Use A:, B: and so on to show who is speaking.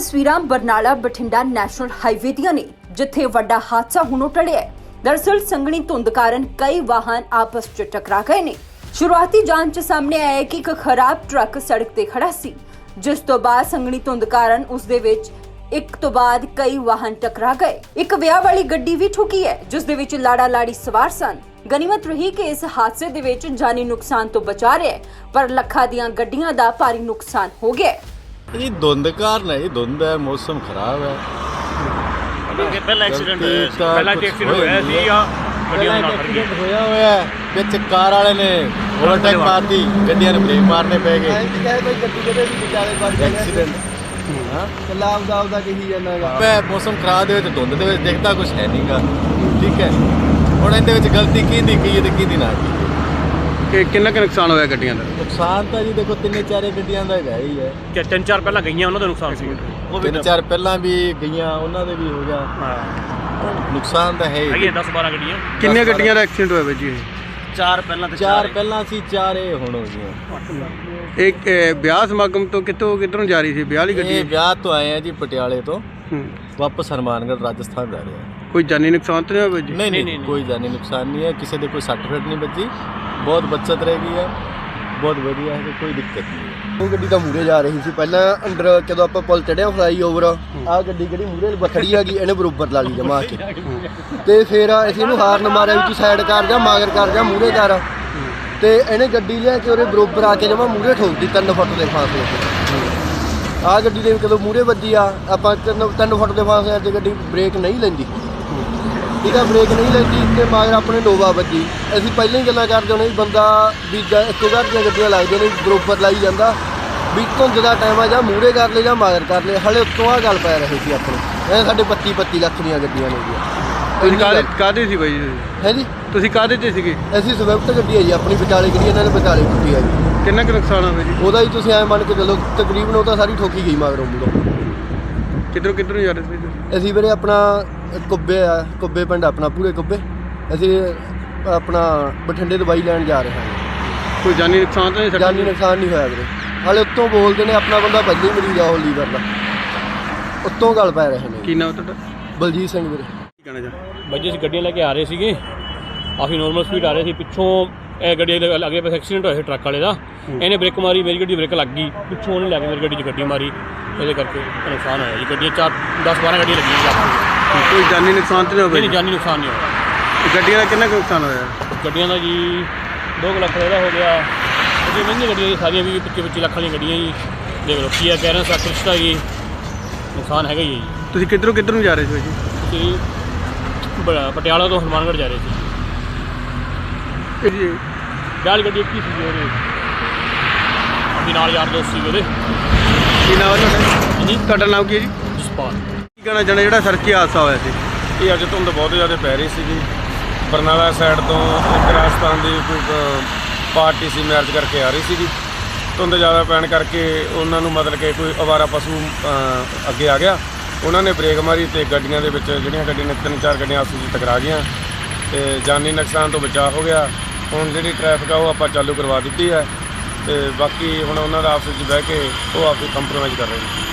A: ਤਸਵੀਰਾਂ Barnala Bathinda national highway ਦੀਆਂ ਨੇ, ਜਿੱਥੇ ਵੱਡਾ ਹਾਦਸਾ ਹੁਣੋਂ ਟਲਿਆ ਹੈ। दरअसल संघनी धुंध कारण कई वाहन आपस च टकरा गए ने। शुरुआती जांच सामने आया कि एक खराब ट्रक सड़क ते खड़ा सी, जिस तो बाद संघनी धुंध कारण उस दे विच एक तो बाद कई वाहन टकरा गए। एक विआह वाली गड्डी भी ठुकी है, जिस दे विच लाड़ा लाड़ी सवार सन। गनीमत रही कि इस हादसे दे विच जानी नुकसान तो बचा रहा है, पर लखां दियां गड्डियां दा भारी नुकसान हो गया है।
B: ये धुंध कारण है, धुंध है, मौसम खराब है।
C: ਪਹਿਲਾ ਐਕਸੀਡੈਂਟ ਹੋਇਆ ਸੀ ਜਾਂ ਗੱਡੀਆਂ ਨਾਲ
B: ਐਕਸੀਡੈਂਟ ਹੋਇਆ ਵਿੱਚ ਕਾਰ ਵਾਲੇ ਨੇ ਓਵਰਟੇਕ ਮਾਰਦੀ, ਗੱਡੀਆਂ ਨੂੰ ਬ੍ਰੇਕ ਮਾਰਨੇ ਪੈ ਗਏ।
D: ਕੋਈ ਗੱਡੀ ਕਿਤੇ ਵੀ ਵਿਚਾਲੇ ਵੱਜ ਗਿਆ
B: ਐਕਸੀਡੈਂਟ ਹਾਂ
D: ਕੱਲਾ ਆਪਦਾ ਕਹੀ ਜਾਂਦਾਗਾ।
B: ਮੌਸਮ ਖਰਾਬ ਦੇ ਵਿੱਚ ਧੁੰਦ ਦੇ ਵਿੱਚ ਦਿਖਦਾ ਕੁਝ ਹੈ ਨਹੀਂਗਾ। ਠੀਕ ਹੈ, ਹੁਣ ਇਹਦੇ ਵਿੱਚ ਗਲਤੀ ਕਿਹਦੀ ਕੀ ਤੇ ਕਿਹਦੀ ਨਾ ਕੀ।
E: ਕਿ ਕਿੰਨਾ ਕੁ ਨੁਕਸਾਨ ਹੋਇਆ ਗੱਡੀਆਂ ਦਾ?
B: ਨੁਕਸਾਨ ਤਾਂ ਜੀ ਦੇਖੋ ਤਿੰਨੇ ਚਾਰੇ ਗੱਡੀਆਂ ਦਾ ਹੈਗਾ ਹੀ ਹੈ।
C: ਕਿ ਤਿੰਨ ਚਾਰ ਪਹਿਲਾਂ ਗਈਆਂ ਉਹਨਾਂ ਦਾ ਨੁਕਸਾਨ ਸੀ,
B: ਤਿੰਨ ਚਾਰ ਪਹਿਲਾਂ ਵੀ ਗਈਆਂ, ਉਹਨਾਂ ਦੇ ਵੀ ਹੋ ਗਿਆ। ਨੁਕਸਾਨ ਤਾਂ ਹੈ ਹੀ।
C: ਹੈਗੀਆਂ 10-12 ਗੱਡੀਆਂ।
E: ਕਿੰਨੀਆਂ ਗੱਡੀਆਂ ਦਾ ਐਕਸੀਡੈਂਟ ਹੋਇਆ ਬਾਈ ਜੀ?
C: ਚਾਰ ਪਹਿਲਾਂ ਤੇ
B: ਚਾਰ ਪਹਿਲਾਂ ਸੀ, ਚਾਰ ਇਹ ਹੁਣ ਹੋ ਗਈਆਂ।
E: ਇਹ ਵਿਆਹ ਸਮਾਗਮ ਤੋਂ ਕਿੱਧਰੋਂ ਜਾ ਰਹੀ ਸੀ ਵਿਆਹ ਵਾਲੀ ਗੱਡੀ?
B: ਇਹ ਵਿਆਹ ਤੋਂ ਆਏ ਆ ਜੀ ਪਟਿਆਲੇ ਤੋਂ, ਵਾਪਸ ਹਰਮਾਨਗढ़ ਰਾਜਸਥਾਨ ਜਾ ਰਹੇ ਆ।
E: ਕੋਈ ਜਾਨੀ ਨੁਕਸਾਨ ਤਾਂ ਨਹੀਂ ਹੋਇਆ ਬਾਈ ਜੀ?
B: ਨਹੀਂ, ਕੋਈ ਜਾਨੀ ਨੁਕਸਾਨ ਨਹੀਂ ਹੈ। ਕਿਸੇ ਦੇ ਕੋਈ ਸੱਟ ਫੇਟ ਨਹੀਂ ਵੱਜੀ, ਬਹੁਤ ਬੱਚਤ ਰਹਿ ਗਈ ਹੈ, ਬਹੁਤ ਵਧੀਆ ਹੈ, ਕੋਈ ਦਿੱਕਤ ਨਹੀਂ ਹੈ।
D: ਉਹ ਗੱਡੀ ਤਾਂ ਮੂਰੇ ਜਾ ਰਹੀ ਸੀ ਪਹਿਲਾਂ ਅੰਦਰ, ਜਦੋਂ ਆਪਾਂ ਪੁਲ ਚੜਿਆ ਫਲਾਈ ਓਵਰ, ਆਹ ਗੱਡੀ ਜਿਹੜੀ ਮੂਰੇ ਖੜੀ ਹੈਗੀ ਇਹਨੇ ਬਰੋਬਰ ਲਾ ਲਈ ਜਮਾ ਕੇ, ਤੇ ਫਿਰ ਅਸੀਂ ਇਹਨੂੰ ਹਾਰਨ ਮਾਰਿਆ ਵੀ ਤੂੰ ਸਾਈਡ ਕਰ ਜਾ, ਮਗਰ ਕਰ ਜਾ, ਮੂਰੇ ਕਰ, ਤੇ ਇਹਨੇ ਗੱਡੀ ਲਿਆ ਕੇ ਉਹਦੇ ਬਰੋਬਰ ਆ ਕੇ ਜਮਾ ਮੂਰੇ ਠੋਕਦੀ 3 ਫੁੱਟ ਦੇ ਫਾਸਲੇ ਤੇ। ਆਹ ਗੱਡੀ ਦੇ ਕਦੋਂ ਮੂਰੇ ਵੱਜੀ ਆ, ਆਪਾਂ 3 ਫੁੱਟ ਦੇ ਫਾਸਲੇ ਤੇ ਗੱਡੀ ਬ੍ਰੇਕ ਨਹੀਂ ਲੈਂਦੀ, ਇਹਦਾ ਬ੍ਰੇਕ ਨਹੀਂ ਲੈਂਦੀ, ਤੇ ਮਗਰ ਆਪਣੇ ਨੋਵਾ ਵੱਜੀ। ਅਸੀਂ ਪਹਿਲਾਂ ਹੀ ਗੱਲਾਂ ਕਰਦੇ ਹੁੰਦੇ ਵੀ ਬੰਦਾ ਵੀ ਇੱਕੋ ਘਰ ਦੀਆਂ ਗੱਡੀਆਂ ਲੱਗਦੀਆਂ ਨੇ, ਬਰੋਬਰ ਲਾਈ ਜਾਂਦਾ ਵੀ ਧੁੰਦ ਦਾ ਟਾਈਮ ਆ, ਜਾਂ ਮੂਹਰੇ ਕਰ ਲਏ ਜਾਂ ਮਗਰ ਕਰ ਲਏ। ਹਲੇ ਉੱਤੋਂ ਆਹ ਗੱਲ ਪੈ ਰਹੀ ਸੀ ਆਪਣੇ, ਇਹ ਸਾਡੇ 25 ਲੱਖ ਦੀਆਂ ਗੱਡੀਆਂ ਨੇ ਜੀ।
E: ਤੁਸੀਂ ਕਾਹਦੇ ਸੀ ਬਾਈ ਜੀ?
D: ਹੈ ਜੀ,
E: ਤੁਸੀਂ ਕਾਹਦੇ 'ਤੇ ਸੀਗੇ?
D: ਅਸੀਂ ਸਵਿਫਟ ਗੱਡੀ ਹੈ ਜੀ ਆਪਣੀ, ਵਿਚਾਲੇ ਗੱਡੀ ਇਹਨਾਂ ਨੇ ਵਿਚਾਲੇ ਕੁੱਟੀ ਆ ਜੀ।
E: ਕਿੰਨਾ ਕੁ ਨੁਕਸਾਨ ਹੋਇਆ ਜੀ
D: ਉਹਦਾ ਹੀ ਤੁਸੀਂ ਐਂ ਮੰਨ ਕੇ ਚੱਲੋ ਤਕਰੀਬਨ ਉਹ ਤਾਂ ਸਾਰੀ ਠੋਕੀ ਗਈ ਮਗਰੋਂ ਮੂਹਰੋਂ।
E: ਕਿੱਧਰੋਂ ਜਾ ਰਹੇ ਸੀ ਤੁਸੀਂ?
D: ਅਸੀਂ ਵੀਰੇ ਆਪਣਾ ਕੁੱਬੇ ਪਿੰਡ ਆਪਣਾ, ਪੂਰੇ ਕੁੱਬੇ, ਅਸੀਂ ਆਪਣਾ ਬਠਿੰਡੇ ਦਵਾਈ ਲੈਣ ਜਾ ਰਹੇ ਹਾਂ।
E: ਕੋਈ ਜਾਨੀ ਨੁਕਸਾਨ ਤਾਂ ਨਹੀਂ?
D: ਜਾਨੀ ਨੁਕਸਾਨ ਨਹੀਂ ਹੋਇਆ ਵੀਰੇ। ਹਾਲੇ ਉੱਤੋਂ ਬੋਲਦੇ ਨੇ ਆਪਣਾ ਬੰਦਾ ਪਹਿਲਾਂ ਹੀ ਮਰੀਜ਼ ਆ ਉਹ ਲੀਵਰ ਦਾ, ਉੱਤੋਂ ਗੱਲ ਪੈ ਰਹੇ ਨੇ।
E: ਕੀ ਨਾਮ ਤੁਹਾਡਾ?
D: ਬਲਜੀਤ ਸਿੰਘ ਵੀਰੇ।
E: ਕੀ ਕਹਿਣਾ ਚਾਹੁੰਦੇ?
C: ਬਾਈ ਜੀ ਅਸੀਂ ਗੱਡੀਆਂ ਲੈ ਕੇ ਆ ਰਹੇ ਸੀਗੇ, ਕਾਫੀ ਨੋਰਮਲ ਸਪੀਡ ਆ ਰਹੇ ਸੀ। ਪਿੱਛੋਂ ਇਹ ਗੱਡੀ ਦੇ ਅੱਗੇ ਪਾਸੇ ਐਕਸੀਡੈਂਟ ਹੋਇਆ ਸੀ ਟਰੱਕ ਵਾਲੇ ਦਾ, ਇਹਨੇ ਬ੍ਰੇਕ ਮਾਰੀ, ਮੇਰੀ ਗੱਡੀ ਬ੍ਰੇਕ ਲੱਗ ਗਈ, ਪਿੱਛੋਂ ਉਹਨੇ ਲੈ ਕੇ ਮੇਰੀ ਗੱਡੀ 'ਚ ਗੱਡੀ ਮਾਰੀ, ਇਹਦੇ ਕਰਕੇ ਨੁਕਸਾਨ ਹੋਇਆ ਜੀ। ਗੱਡੀਆਂ 10-12 ਗੱਡੀਆਂ ਲੱਗੀਆਂ ਜੀ ਆਪਾਂ।
E: ਕੋਈ ਜਾਨੀ ਨੁਕਸਾਨ ਤਾਂ ਨਹੀਂ ਹੋਇਆ?
C: ਨਹੀਂ, ਜਾਨੀ ਨੁਕਸਾਨ ਨਹੀਂ ਹੋਇਆ।
E: ਗੱਡੀਆਂ ਦਾ ਕਿੰਨਾ ਕੁ ਨੁਕਸਾਨ ਹੋਇਆ?
C: ਗੱਡੀਆਂ ਦਾ ਜੀ 2 ਲੱਖ ਦਾ ਹੋ ਗਿਆ। ਉਹਦੀ ਮਹਿੰਗੀਆਂ ਗੱਡੀਆਂ ਜੀ ਸਾਰੀਆਂ 20-25 ਲੱਖ ਵਾਲੀਆਂ ਗੱਡੀਆਂ ਜੀ। ਦੇਖ ਲਓ ਕੀ ਆ, ਕਹਿ ਰਹੇ ਸੱਤ ਰਿਸ਼ਤਾ ਜੀ, ਨੁਕਸਾਨ ਹੈਗਾ ਹੀ ਹੈ ਜੀ।
E: ਤੁਸੀਂ ਕਿੱਧਰੋਂ ਜਾ ਰਹੇ ਸੀ ਜੀ?
C: ਤੁਸੀਂ ਪਟਿਆਲਾ ਤੋਂ ਹਰਮਾਨਗढ़ ਜਾ ਰਹੇ ਸੀ
E: ਜੀ?
C: ਵਿਆਹ ਗੱਡੀ ਕੀ ਸੀ ਉਹਦੇ, ਆਪਣੀ ਨਾਲ ਯਾਰ ਦੋਸਤ ਸੀ ਉਹਦੇ।
E: ਕੀ ਨਾਮ ਹੈ ਤੁਹਾਡਾ?
C: ਜੀ
E: ਤੁਹਾਡਾ ਨਾਮ ਕੀ ਹੈ ਜੀ?
C: ਜਸਪਾਲ।
E: ਕੀ ਕਹਿਣਾ ਚਾਹੁੰਦੇ ਜਿਹੜਾ ਸੜਕੀ ਹਾਦਸਾ ਹੋਇਆ ਸੀ?
F: ਇਹ ਅੱਜ ਧੁੰਦ ਬਹੁਤ ਜ਼ਿਆਦਾ ਪੈ ਰਹੀ ਸੀਗੀ। ਬਰਨਾਲਾ ਸਾਈਡ ਤੋਂ ਇੱਕ ਰਾਜਸਥਾਨ ਦੀ ਕੋਈ ਪਾਰਟੀ ਸੀ, ਮੈਰਿਜ ਕਰਕੇ ਆ ਰਹੀ ਸੀਗੀ। ਧੁੰਦ ਜ਼ਿਆਦਾ ਪੈਣ ਕਰਕੇ ਉਹਨਾਂ ਨੂੰ ਮਤਲਬ ਕਿ ਕੋਈ ਅਵਾਰਾ ਪਸ਼ੂ ਅੱਗੇ ਆ ਗਿਆ, ਉਹਨਾਂ ਨੇ ਬ੍ਰੇਕ ਮਾਰੀ ਅਤੇ ਗੱਡੀਆਂ ਦੇ ਵਿੱਚ ਜਿਹੜੀਆਂ ਗੱਡੀਆਂ ਨੇ 3-4 ਗੱਡੀਆਂ ਆਪਸ ਵਿੱਚ ਟਕਰਾ ਗਈਆਂ ਅਤੇ ਜਾਨੀ ਨੁਕਸਾਨ ਤੋਂ ਬਚਾਅ ਹੋ ਗਿਆ। ਹੁਣ ਜਿਹੜੀ ਟ੍ਰੈਫਿਕ ਆ ਉਹ ਆਪਾਂ ਚਾਲੂ ਕਰਵਾ ਦਿੱਤੀ ਹੈ, ਅਤੇ ਬਾਕੀ ਹੁਣ ਉਹਨਾਂ ਦਾ ਆਪਸ ਵਿੱਚ ਬਹਿ ਕੇ ਉਹ ਆਪਸ ਕੰਪਰੋਮਾਈਜ਼ ਕਰ ਰਹੇ ਨੇ।